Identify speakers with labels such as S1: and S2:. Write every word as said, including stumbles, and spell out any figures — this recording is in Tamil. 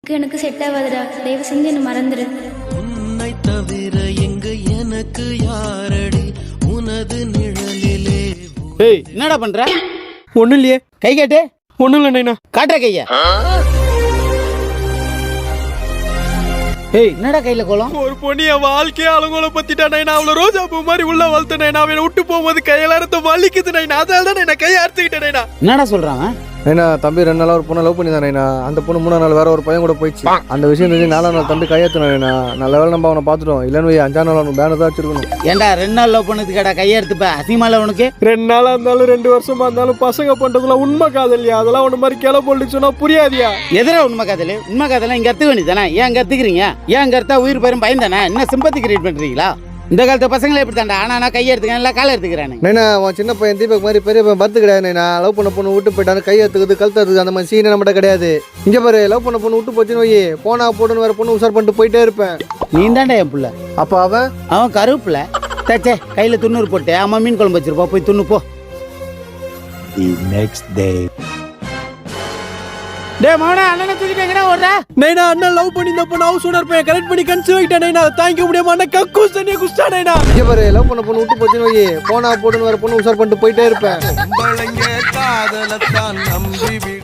S1: லுக் எனக்கு செட் ஆகாதுடா, தயவு செஞ்சு என்ன மறந்துடு.
S2: உன்னை தவிர எங்க எனக்கு யாரடி உனது நிழலிலே.
S3: ஏய் என்னடா பண்ற?
S4: ஒன்றும் இல்லையே.
S3: கை காட்டு.
S4: ஒன்றும் இல்லை நைனா.
S3: காட்டுற கையா. ஏய் என்னடா கையில கோலம்?
S4: ஒரு பொண்ணு என் வாழ்க்கையை அலங்கோல பத்திட்டா நைனா. அவளை ரோஜா பூ மாதிரி உள்ள வளர்த்த நைனா. அவனை விட்டு போகும்போது கையெல்லாம் வலிக்குது நைனா. அதனால தான் நான் கையை அறுத்துக்கிட்டேன் நைனா.
S3: என்னடா சொல்றாங்க?
S5: நைனா தம்பி ரெண்டு நாள் ஒரு பொண்ணை லவ் பண்ணி தான் நைனா. அந்த பொண்ணு மூணா நாள் வேற ஒரு பையன் கூட போயிடுச்சு. அந்த விஷயம் தெரிஞ்சு நாலாம் நாள் தம்பி கையெழுத்து நைனா. நல்ல வேலை நம்ம அவனை பார்த்துட்டோம். இல்லைன்னு அஞ்சாம் நாள் அவனுக்கு பேனர் தான் வச்சிருக்கணும்.
S3: ஏன்டா ரெண்டு நாள் லவ் பண்ணது கேடா கையெடுத்துப்ப அசிங்கமால உனக்கு?
S4: ரெண்டு நாளா இருந்தாலும் ரெண்டு வருஷமா இருந்தாலும் பசங்க பண்றதுலாம் உண்மை காதலியா? அதெல்லாம் ஒன்று மாதிரி கிளை போட்டு சொன்னா புரியாதியா?
S3: எதிரா உண்மை காதல்? உண்மை காதலாம் இங்க கத்துக்க வேண்டியதானே? ஏன் கத்துக்கிறீங்க? ஏன் கருத்தா உயிர் பெரும் பயம் தானே? என்ன சிம்பத்தி கிரியேட் பண்றீங்களா? இந்த காலத்து பசங்களை எப்படி தாண்டா ஆனா நான் கையை எடுத்துக்கிறேன் இல்லை காலை எடுத்துக்கிறானு.
S5: நைனா அவன் சின்ன பையன் தீபக் மாதிரி பெரிய பையன் பத்து கிடையாது நைனா. லவ் பண்ண பொண்ணு விட்டு போயிட்டான்னு கை எடுத்துக்குது கழுத்து எடுத்துக்குது. அந்த மாதிரி சீனே நம்மகிட்ட கிடையாது. இங்கே பாரு, லவ் பண்ண பொண்ணு விட்டு போச்சுன்னு வை, போனா போடுன்னு வேற பொண்ணு உசார் பண்ணிட்டு போயிட்டே இருப்பேன்.
S3: நீ தாண்டா என் புள்ள.
S5: அப்போ அவன்
S3: அவன் கருப்புல தச்சே கையில துண்ணூறு போட்டு அம்மா மீன் குழம்பு வச்சிருப்பா, போய் துண்ணு போ. டே மோனா அண்ணனை தூக்கிட்டு எங்கடா ஓடுற?
S4: நைனா அண்ணன் லவ் பண்ணி இந்த பொண்ணு ஹவுஸ் ஓனர் பையன் கரெக்ட் பண்ணி கன்சீவ் ஆயிட்டா நைனா. தாங்கிக்க முடியாம அண்ணன் கக்கூஸ் தண்ணியை குஸ்டா நைனா.
S5: இங்கே பாரு, லவ் பண்ண பொண்ணு விட்டு போச்சுன்னு வை, போனா போடுன்னு வேற பொண்ணு உசார் பண்ணிட்டு போயிட்டே இருப்பேன்.
S2: காதலத்தான் நம்பி